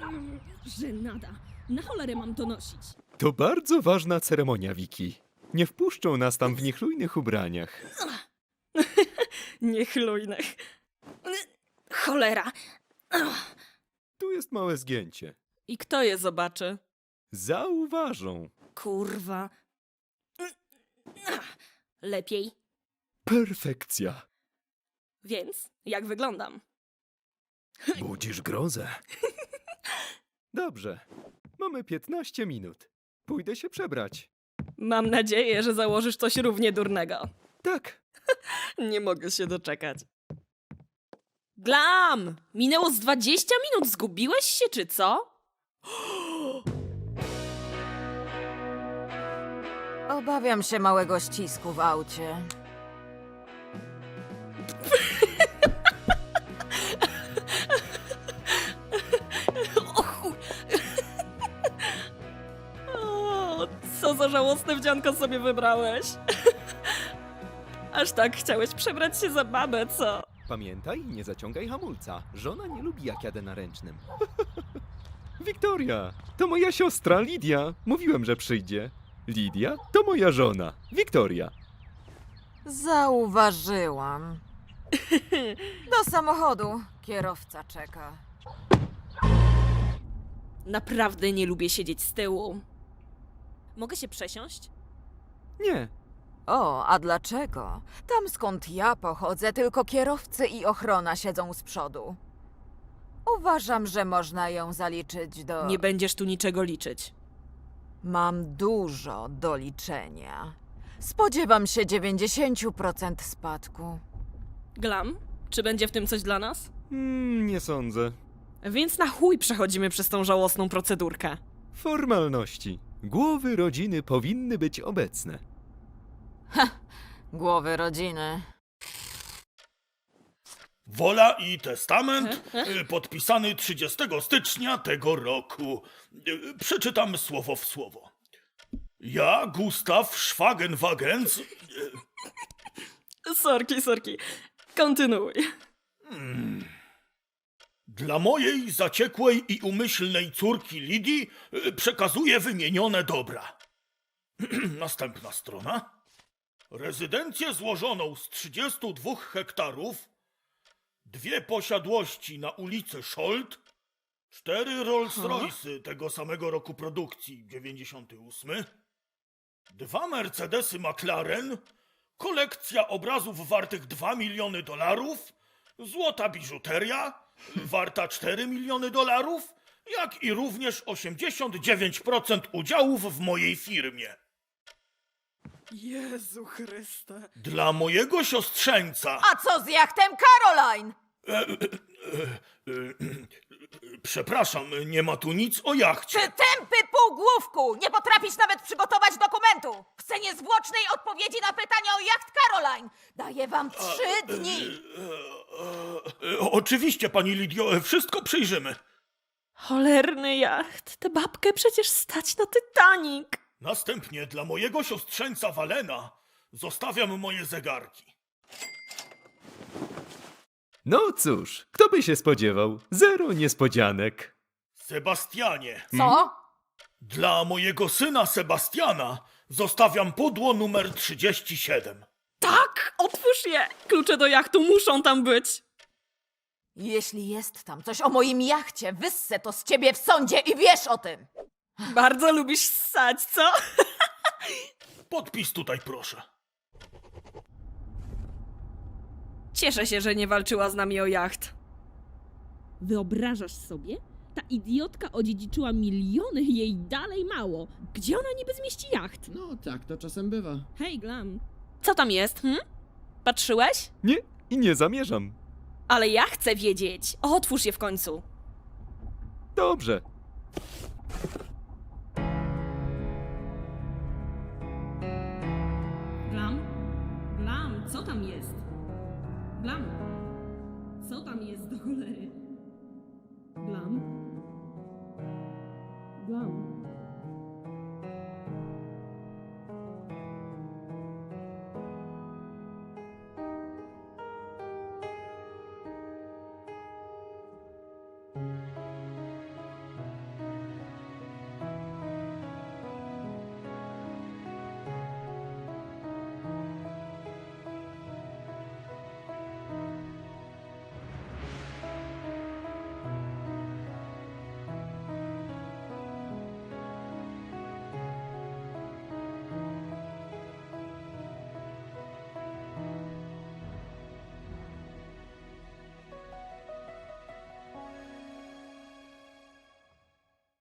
Żenada. Na cholerę mam to nosić. To bardzo ważna ceremonia, Wiki. Nie wpuszczą nas tam w niechlujnych ubraniach. Niechlujnych. Cholera. Tu jest małe zgięcie. I kto je zobaczy? Zauważą. Kurwa. Lepiej. Perfekcja. Więc, jak wyglądam? Budzisz grozę. Dobrze. Mamy 15 minut. Pójdę się przebrać. Mam nadzieję, że założysz coś równie durnego. Tak. Nie mogę się doczekać. Glam! Minęło z 20 minut. Zgubiłeś się, czy co? Obawiam się małego ścisku w aucie. O chuj! O, co za żałosne wdzianko sobie wybrałeś. Aż tak chciałeś przebrać się za babę, co? Pamiętaj, nie zaciągaj hamulca. Żona nie lubi, jak jadę na ręcznym. Wiktoria, to moja siostra Lidia. Mówiłem, że przyjdzie. Lidia to moja żona. Wiktoria. Zauważyłam. Do samochodu. Kierowca czeka. Naprawdę nie lubię siedzieć z tyłu. Mogę się przesiąść? Nie. O, a dlaczego? Tam skąd ja pochodzę, tylko kierowcy i ochrona siedzą z przodu. Uważam, że można ją zaliczyć do... Nie będziesz tu niczego liczyć. Mam dużo do liczenia. Spodziewam się 90% spadku. Glam, czy będzie w tym coś dla nas? Nie sądzę. Więc na chuj przechodzimy przez tą żałosną procedurkę. Formalności. Głowy rodziny powinny być obecne. Głowy rodziny. Wola i testament podpisany 30 stycznia tego roku. Przeczytam słowo w słowo. Ja, Gustaw Schwagenwagens, Sorki. Kontynuuj. dla mojej zaciekłej i umyślnej córki Lidii przekazuję wymienione dobra. Następna strona. Rezydencję złożoną z 32 hektarów, 2 posiadłości na ulicy Scholt, 4 Rolls-Royce'y tego samego roku produkcji, 98, 2 Mercedesy McLaren, kolekcja obrazów wartych $2 miliony, złota biżuteria warta $4 miliony, jak i również 89% udziałów w mojej firmie. Jezu Chryste. Dla mojego siostrzeńca... A co z jachtem Caroline? Przepraszam, nie ma tu nic o jachcie. Ty tępy półgłówku! Nie potrafisz nawet przygotować dokumentu! Chcę niezwłocznej odpowiedzi na pytania o jacht Caroline! Daję wam 3 dni! Oczywiście, pani Lidio, wszystko przyjrzymy. Cholerny jacht. Tę babkę przecież stać na Titanic. Następnie dla mojego siostrzeńca Walena zostawiam moje zegarki. No cóż, kto by się spodziewał? Zero niespodzianek. Sebastianie, Co? dla mojego syna Sebastiana zostawiam pudło numer 37. Tak, otwórz je. Klucze do jachtu muszą tam być. Jeśli jest tam coś o moim jachcie, wyssę to z ciebie w sądzie i wiesz o tym! Bardzo lubisz ssać, co? Podpis tutaj proszę. Cieszę się, że nie walczyła z nami o jacht. Wyobrażasz sobie? Ta idiotka odziedziczyła miliony, jej dalej mało. Gdzie ona niby zmieści jacht? No tak, to czasem bywa. Hej, Glam. Co tam jest, Patrzyłeś? Nie, i nie zamierzam. Ale ja chcę wiedzieć. Otwórz je w końcu. Dobrze. Glam? Glam, co tam jest? Glam? Co tam jest do cholery? Glam? Glam?